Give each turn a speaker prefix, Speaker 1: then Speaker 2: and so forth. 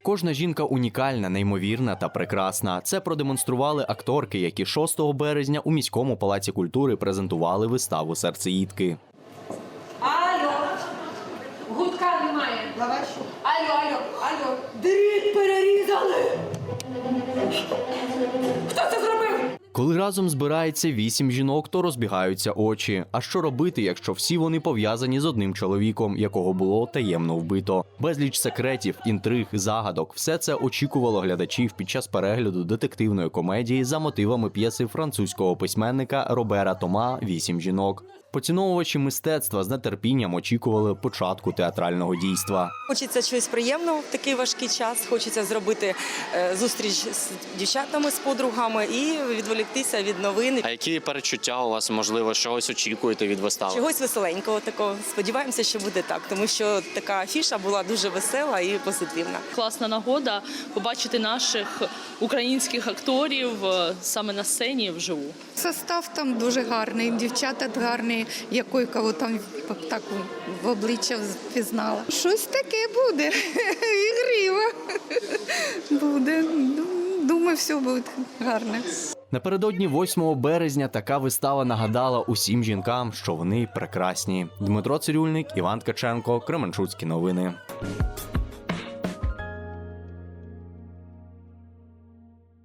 Speaker 1: Кожна жінка унікальна, неймовірна та прекрасна. Це продемонстрували акторки, які 6 березня у міському палаці культури презентували виставу «Серцеїдки».
Speaker 2: Алло, гудка немає. Лаваш. Алло. Дріт перерізали. Хто це зробив?
Speaker 1: Коли разом збирається 8 жінок, то розбігаються очі. А що робити, якщо всі вони пов'язані з одним чоловіком, якого було таємно вбито? Безліч секретів, інтриг, загадок – все це очікувало глядачів під час перегляду детективної комедії за мотивами п'єси французького письменника Робера Тома «8 жінок». Поціновувачі мистецтва з нетерпінням очікували початку театрального дійства.
Speaker 3: Хочеться щось приємного в такий важкий час, хочеться зробити зустріч з дівчатами, з подругами і відволіктися від новин.
Speaker 4: А які перечуття у вас, можливо, чогось очікуєте від вистави?
Speaker 3: Чогось веселенького такого. Сподіваємося, що буде так, тому що така афіша була дуже весела і позитивна.
Speaker 5: Класна нагода побачити наших українських акторів саме на сцені вживу.
Speaker 6: Состав там дуже гарний, дівчата гарні, якої кого там так в обличчя впізнала. Щось таке буде, ігриво буде. Думаю, все буде гарне.
Speaker 1: Напередодні 8 березня така вистава нагадала усім жінкам, що вони прекрасні. Дмитро Цирюльник, Іван Ткаченко, Кременчуцькі новини.